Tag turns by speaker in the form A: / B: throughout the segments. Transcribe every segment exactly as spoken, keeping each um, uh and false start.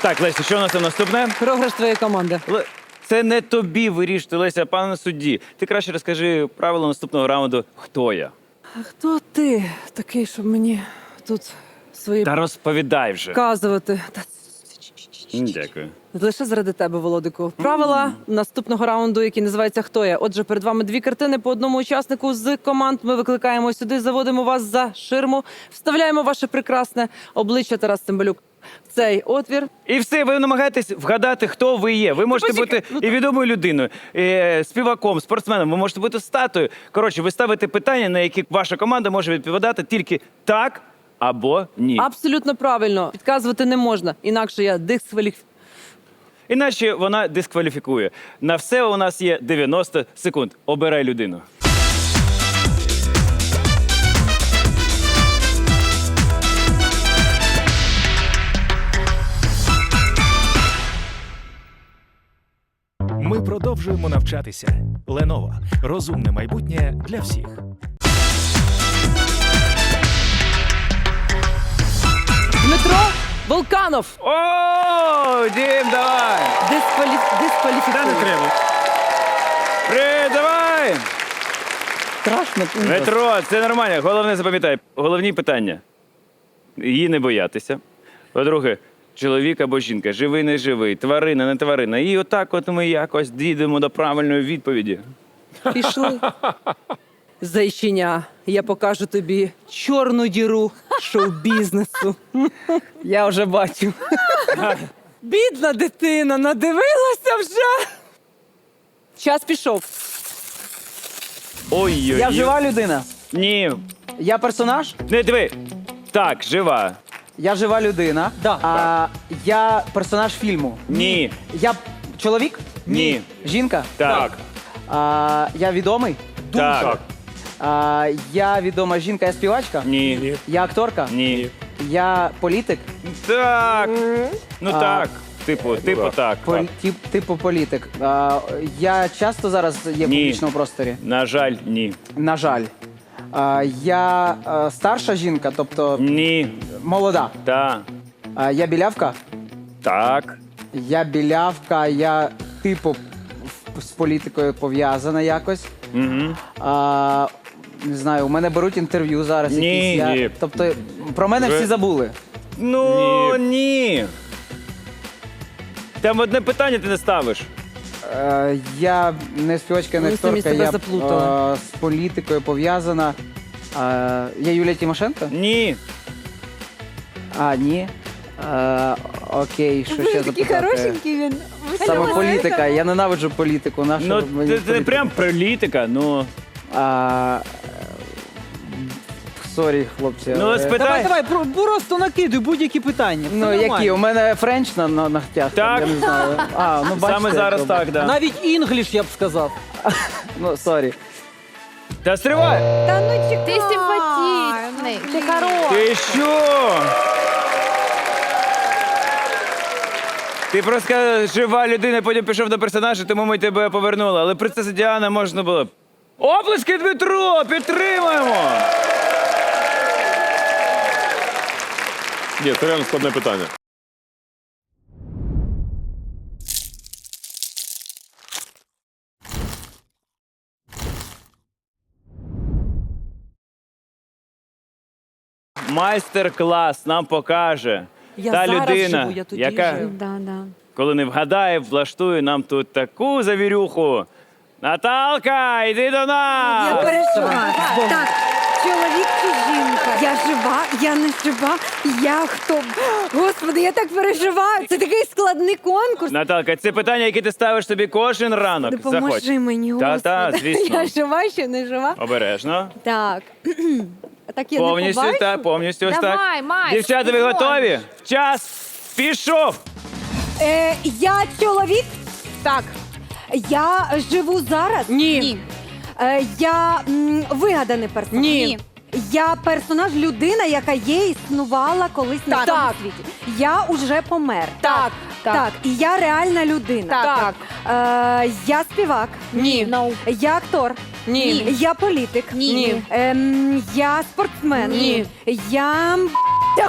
A: Так, Леся, що у нас там наступне?
B: Програш твоєї команди.
A: Ле- Це не тобі вирішити, Леся, а пане судді. Ти краще розкажи правила наступного раунду «Хто я?».
B: А хто ти такий, щоб мені тут свої
A: Та розповідай вже.
B: вказувати? Та
A: М, Дякую.
B: лише заради тебе, Володику. Правила наступного раунду, який називається «Хто я?». Отже, перед вами дві картини по одному учаснику з команд. Ми викликаємо сюди, заводимо вас за ширму, вставляємо ваше прекрасне обличчя, Тарас Цимбалюк, в цей отвір.
A: І все, ви намагаєтесь вгадати, хто ви є. Ви можете
B: почекай,
A: бути
B: ну
A: і відомою людиною, і співаком, спортсменом, ви можете бути статуєю. Коротше, ви ставите питання, на які ваша команда може відповідати тільки так або ні.
B: Абсолютно правильно. Підказувати не можна, інакше я дискваліф...
A: Іначе вона дискваліфікує. На все у нас є дев'яносто секунд. Обирай людину.
C: Ми продовжуємо навчатися. Lenovo. Розумне майбутнє для всіх.
B: Дмитро Волканов.
A: О, Дім, давай!
B: Дискваліф... Дискваліфікує.
A: Привіт, давай!
B: Страшно.
A: Дмитро, це нормально. Головне запам'ятай. Головні питання. Її не боятися. По-друге, чоловік або жінка, живий, не живий, тварина, не тварина. І отак от ми якось дійдемо до правильної відповіді.
B: Пішли. Зайчиня, я покажу тобі чорну діру шоу-бізнесу.
D: Я вже бачу.
B: Бідна дитина, надивилася вже. Час пішов.
A: Ой-ой-ой.
D: Я жива людина.
A: Ні.
D: Я персонаж.
A: Не диви. Так, жива.
D: Я жива людина.
B: Да.
D: А, я персонаж фільму.
A: Ні.
D: Я чоловік?
A: Ні.
D: Жінка?
A: Так.
D: А, я відомий?
A: Так.
D: А, я відома жінка, я співачка?
A: Ні.
D: Я акторка?
A: Ні.
D: Я політик?
A: Так. Ну
D: А.
A: так. Типу, типу так.
D: Полі- тип, типу політик. А, я часто зараз є в
A: Ні.
D: публічному просторі?
A: На жаль, ні.
D: На жаль. А, я а, старша жінка, тобто
A: Ні.
D: молода.
A: Та.
D: А, я білявка?
A: Так.
D: Я білявка, я типу в- з політикою пов'язана якось.
A: Угу.
D: А, не знаю, у мене беруть інтерв'ю зараз
A: Ні,
D: якісь. Я,
A: ні.
D: тобто про мене
A: Вже-
D: всі забули.
A: Ну, ні. Там одне питання ти не ставиш.
D: Е, я не співачка, не
B: Ми самі
D: акторка,
B: себе
D: я
B: заплутали.
D: е, з політикою пов'язана. Е, я Юлія Тимошенко?
A: Ні.
D: А, ні. Е, окей, що ще запитати?
E: він.
D: Саме політика. Я ненавиджу політику. Нашу
A: Ну,
D: мені
A: це, це не
D: політика?
A: прям політика, ну.
D: А, Сорі, хлопці.
A: Ну,
D: але-
A: спитай.
F: Давай, давай, про- просто накидуй будь-які питання. Все
D: Ну,
F: нормально.
D: які? У мене френч на, на ногтях.
A: Так.
D: Я не знаю. А, ну, бачите,
A: Саме зараз
D: як
A: так, да.
F: Навіть інгліш, я б сказав.
D: Ну, сорі.
A: Та стривай!
E: Та ну чекай.
G: Ти симпатичний.
E: Ти хороший.
A: Ти що? Ти просто сказала, жива людина, потім пішов до персонажа, тому ми тебе повернули. Але принцеса Діана можна було б. Оплески, Дмитро! Підтримуємо!
H: Ні, це реально складне питання.
A: Майстер-клас нам покаже
B: Я
A: та
B: зараз
A: людина,
B: живу, я тоді
A: яка,
B: жив.
G: Да, да.
A: коли не вгадає, влаштує нам тут таку завірюху. Наталка, йди до нас!
E: Я переживаю. Так, чоловік чи жінка? Я жива, я не жива, я хто? Господи, я так переживаю. Це такий складний конкурс.
A: Наталка, це питання, яке ти ставиш собі кожен ранок.
E: Допоможи
A: Заходь.
E: мені,
A: Та,
E: Господи.
A: та, звісно.
E: Я жива, ще не жива.
A: Обережно.
E: Так. Так я
A: Повністю,
E: не побачу?
A: так, повністю ось так.
G: Давай, Майк,
A: Дівчата, ви
G: ти
A: готові? Час пішов!
E: Е, я чоловік? Так. Я живу зараз?
B: Ні.
E: Е, я м, вигаданий персонаж?
B: Ні.
E: Я персонаж, людина, яка є, існувала колись на
B: Так.
E: цьому
B: Так.
E: світі. Я уже помер.
B: Так.
E: Так. І я реальна людина.
B: Так.
E: Е, я співак.
B: Ні.
E: Я актор.
B: Ні.
E: Я політик.
B: Ні.
E: Ем, я спортсмен.
B: Ні.
E: Я... Та хто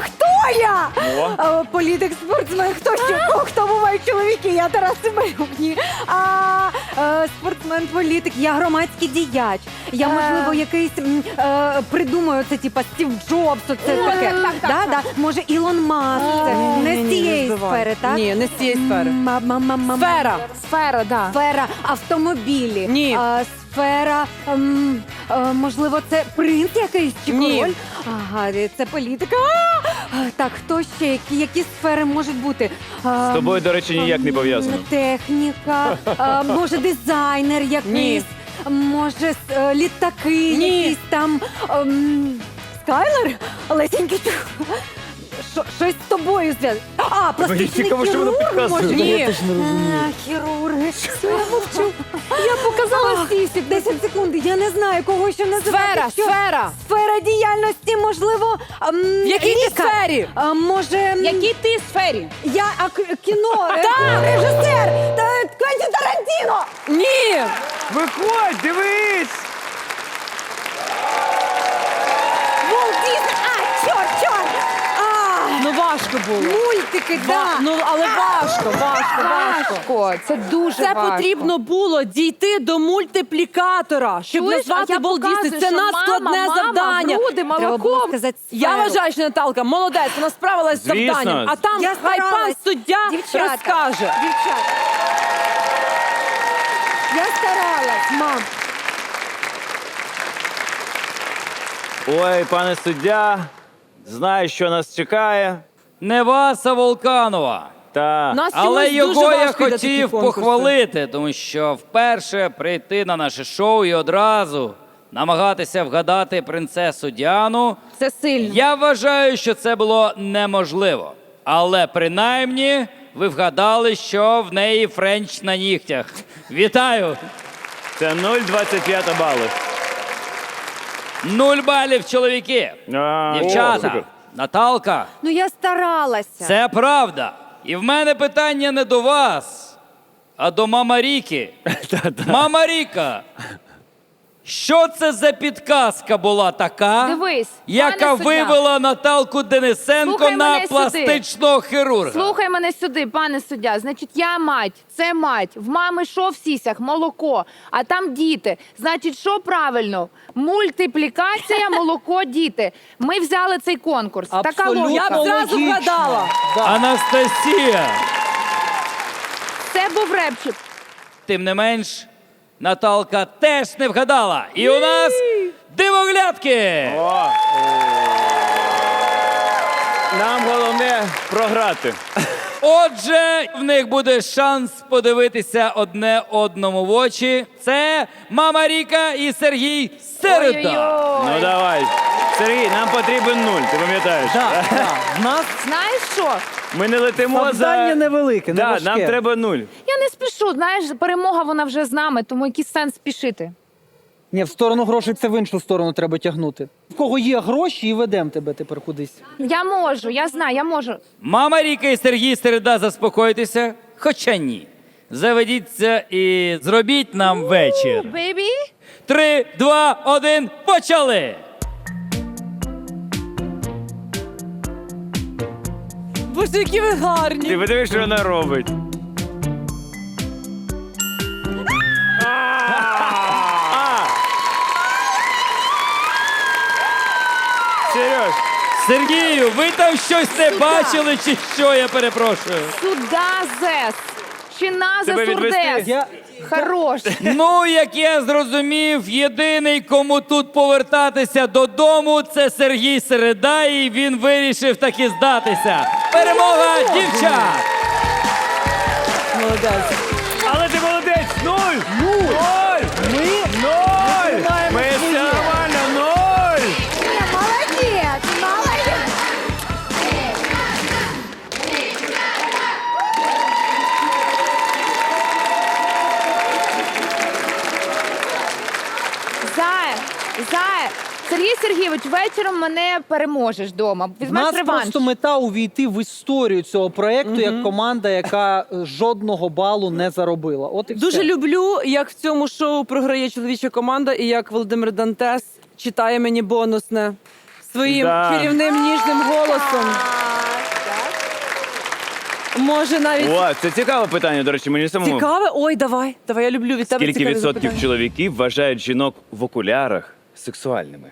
E: я!
A: О.
E: А, політик, спортсмен, хто ще? О, хто бувають чоловіки? Я Тарас Цимбалюк. Ні. А, е, спортсмен, політик, я громадський діяч. Я, можливо, якийсь м, е, придумаю це, типа Стів Джобс, оце таке. Да, да. Може, Ілон Маск. Це не з цієї сфери, так?
B: Ні, не з цієї сфери.
E: Ма-ма-ма-ма.
B: Сфера.
G: Сфера, да.
E: Сфера автомобілі.
B: Ні.
E: А, сфера, ем, е, можливо, це принц якийсь чи
B: Ні.
E: король? Ага, це політика. А! А, так, хто ще? Які, які сфери можуть бути? А,
A: З тобою, до речі, ніяк не
E: м,
A: пов'язано.
E: Техніка, а, може, дизайнер якийсь, може, с- е, літаки
B: Ні.
E: якісь там. ем, Скайлер? Лесенький. Що- Щось з тобою зв'язано. А, пластичний
A: цікаво, що вона
E: хірург,
A: підказує.
E: може?
B: Ні.
F: Я теж не розумію.
E: А, хірурги. Все, я мовчу. Я показала сісік. десять секунд. Я не знаю, кого ще називати.
B: Сфера,
E: Що?
B: сфера.
E: Сфера діяльності, можливо, ем,
B: В якій ти
E: лікар.
B: сфері?
E: А, може, м,
B: Якій ти сфері?
E: я а, к- кіно, е, режисер, та Квентін Тарантіно.
B: Ні!
A: Виходь, дивись!
E: Волт Дісней. А, чорт, чорт. А,
B: Ну важко було.
E: мультики,
B: Ва-
E: да.
B: Ну, але важко, важко, важко.
G: Важко, це дуже
B: Це
G: важко.
B: потрібно було дійти до мультиплікатора, щоб
G: Чуєш,
B: назвати
G: а я
B: Walt Disney.
G: показую,
B: Це
G: що
B: надскладне
G: мама, мама,
B: завдання.
G: груди,
E: Треба було
G: молоком.
E: сказати
B: Я
E: сферу.
B: вважаю, що Наталка молодець, вона справилась з
A: Звісно.
B: завданням. А там
E: Я
B: хай пан
E: старалась.
B: суддя
E: Дівчата,
B: розкаже.
E: Дівчата. Я старалась, мам.
A: Ой, пане суддя, знаю, що нас чекає.
H: Не вас, а Волканова.
A: Та
B: Нас
H: Але
B: чомусь
H: його
B: дуже
H: я
B: важко йде такі
H: хотів
B: конкурси.
H: похвалити, тому що вперше прийти на наше шоу і одразу намагатися вгадати принцесу Діану.
B: Це сильно.
H: Я вважаю, що це було неможливо. Але принаймні ви вгадали, що в неї френч на нігтях. Вітаю!
A: це нуль цілих двадцять п'ять балів.
H: Нуль балів, чоловіки!
A: А, о,
H: Дівчата,
A: супер.
H: Наталка,
E: Ну я старалася.
H: це правда. І в мене питання не до вас, а до мама Ріки. Мама Ріка, що це за підказка була така,
G: Дивись,
H: яка
G: пане суддя.
H: вивела Наталку Денисенко
G: Слухай
H: на
G: мене сюди.
H: пластичного хірурга?
G: Слухай мене сюди, пане суддя. Значить, я мать, це мать. В мами що в сісях? Молоко. А там діти. Значить, що правильно? Мультиплікація, молоко, діти. Ми взяли цей конкурс. Така
F: Абсолютно
G: логіка.
B: Я б зразу
F: логічно.
B: вгадала.
F: Да.
H: Анастасія!
G: Це був репчик.
H: Тим не менш, Наталка теж не вгадала. І у нас дивоглядки!
A: О. Нам головне програти.
H: Отже, в них буде шанс подивитися одне одному в очі. Це Мама Ріка і Сергій Середа.
G: Ой-ой-ой.
A: Ну давай. Сергій, нам потрібен нуль, ти пам'ятаєш?
F: Да, да. В нас
G: Знаєш що?
A: Ми не летимо
F: завдання
A: за...
F: невелике, не
A: Да,
F: важке.
A: нам треба нуль.
G: Я не спішу. Знаєш, перемога вона вже з нами, тому який сенс спішити.
F: Ні, в сторону грошей це в іншу сторону треба тягнути. В кого є гроші, і ведемо тебе тепер кудись.
G: Я можу, я знаю, я можу.
H: Мама Ріка і Сергій Середа, заспокойтеся. Хоча ні. Заведіться і зробіть нам вечір.
G: Бейбі?
H: Три, два, один, почали!
B: Боже, які ви гарні.
A: Ти подивись, що вона робить. А! Сереж,
H: Сергію, ви там щось не бачили, чи що, я перепрошую?
G: Сюда зес. Чи на
A: Тебе відвести?
G: сурдес.
F: Я...
G: Хорош.
H: Ну, як я зрозумів, єдиний, кому тут повертатися додому, це Сергій Середа, і він вирішив таки здатися. Перемога дівчат!
B: Молодець.
A: але ти молодець! Нуль! Нуль! Ми нуль! Ми все нормально, нуль!
E: Молодець, молодець.
G: Зая, Зая, Сергій Сергійович, вечором мене переможеш вдома.
F: В
G: Візьмеш
F: нас
G: реванш.
F: просто мета увійти в історію цього проєкту як команда, яка е, жодного балу не заробила. От і
B: Дуже
F: все.
B: люблю, як в цьому шоу програє чоловіча команда, і як Володимир Дантес читає мені бонусне своїм
A: Да.
B: чарівним ніжним голосом. може навіть
A: О, це цікаве питання, до речі, мені самому.
B: цікаве. Ой, давай, давай, я люблю від тебе
A: Скільки
B: цікаві
A: відсотків
B: запитання.
A: чоловіків вважають жінок в окулярах сексуальними?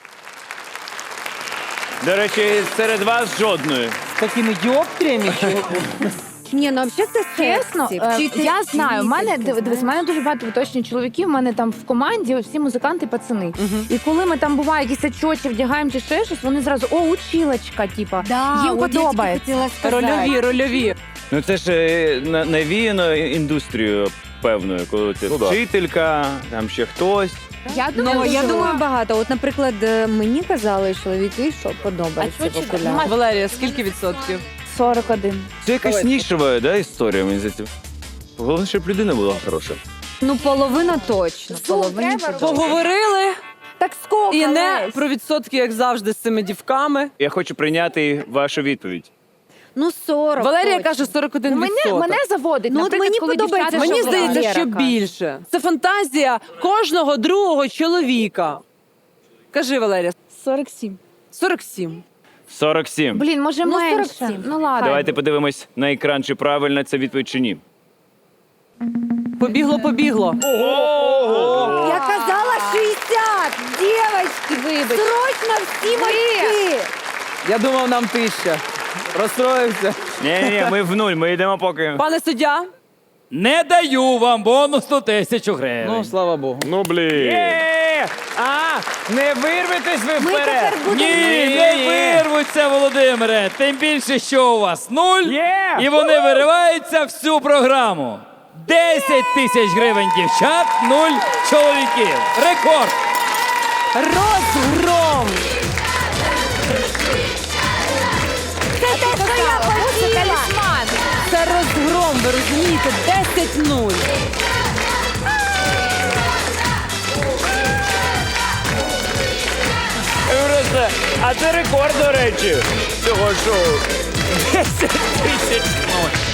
A: До речі, серед вас жодної.
F: З такими діоптріями. чи-
E: Ні, ну взагалі це
G: Чесно,
E: сексі.
G: е,
E: Вчити
G: я знаю, в мене
E: вчитель,
G: див- дивись, в мене дуже багато виточні чоловіків. У мене там в команді всі музиканти, пацани. І коли ми там буває якісь очочі вдягаємо чи ще щось, вони зразу о, училочка, типа.
E: Да,
G: їм
E: от я тільки
G: подобається.
E: хотіла сказати.
B: Рольові, рольові.
A: Ну це ж е, на- навіяно індустрією певною, коли ти вчителька, там ще хтось.
G: Я думаю,
E: Ну, я
G: що-
E: думаю, багато. От, наприклад, е, мені казали чоловіки, що
G: А
E: подобається
G: чого
E: в
G: чи-
E: окулярах.
G: Маш,
B: Валерія, скільки відсотків?
G: сорок один.
A: Це якась нішова, да, історія, мені здається. Головне, щоб людина була хороша.
E: Ну, половина точно. Половина
G: треба
E: точно.
B: Поговорили
E: Так скільки,
B: і не
E: Лесь?
B: про відсотки, як завжди, з цими дівками.
A: Я хочу прийняти вашу відповідь.
E: Ну, сорок
B: Валерія
E: точно.
B: каже сорок один
G: Ну, мене,
B: відсоток.
G: мене заводить.
E: Ну, от
G: Наприклад,
E: мені
G: коли
E: подобається,
G: дівчата
B: Мені
E: що
B: здається,
E: Валера
B: що
E: каже.
B: більше. Це фантазія кожного другого чоловіка. Кажи, Валерія.
G: сорок сім.
B: сорок сім.
A: сорок сім.
G: Блін, може
E: Ну,
G: менше.
E: сорок сім.
G: Ну ладно.
A: Давайте подивимось на екран, чи правильна ця відповідь, чи ні.
B: Побігло, побігло.
E: Я казала шістдесят! Дівочки,
G: Вибач.
E: срочно всі мальки!
D: Я думав, нам тисяча. Розстроївся.
A: Ні-ні-ні, ми в нуль, ми йдемо поки.
B: Пане суддя,
H: Не даю вам бонусну тисячу гривень.
D: Ну, слава Богу.
I: Ну, блін.
A: Є! А, не вирветесь ви
E: Ми
A: вперед!
E: тепер будемо...
H: Ні, не вирвуться, Володимире. Тим більше, що у вас нуль,
A: Є!
H: і вони вириваються всю програму. десять тисяч гривень дівчат, нуль чоловіків. Рекорд.
B: розгром!
E: Це те, що я хотіла!
G: Талісман.
B: Це розгром, ви розумієте? десять нуль.
A: Просто, а це рекорд, до речі, цього шоу. десять тисяч нуль.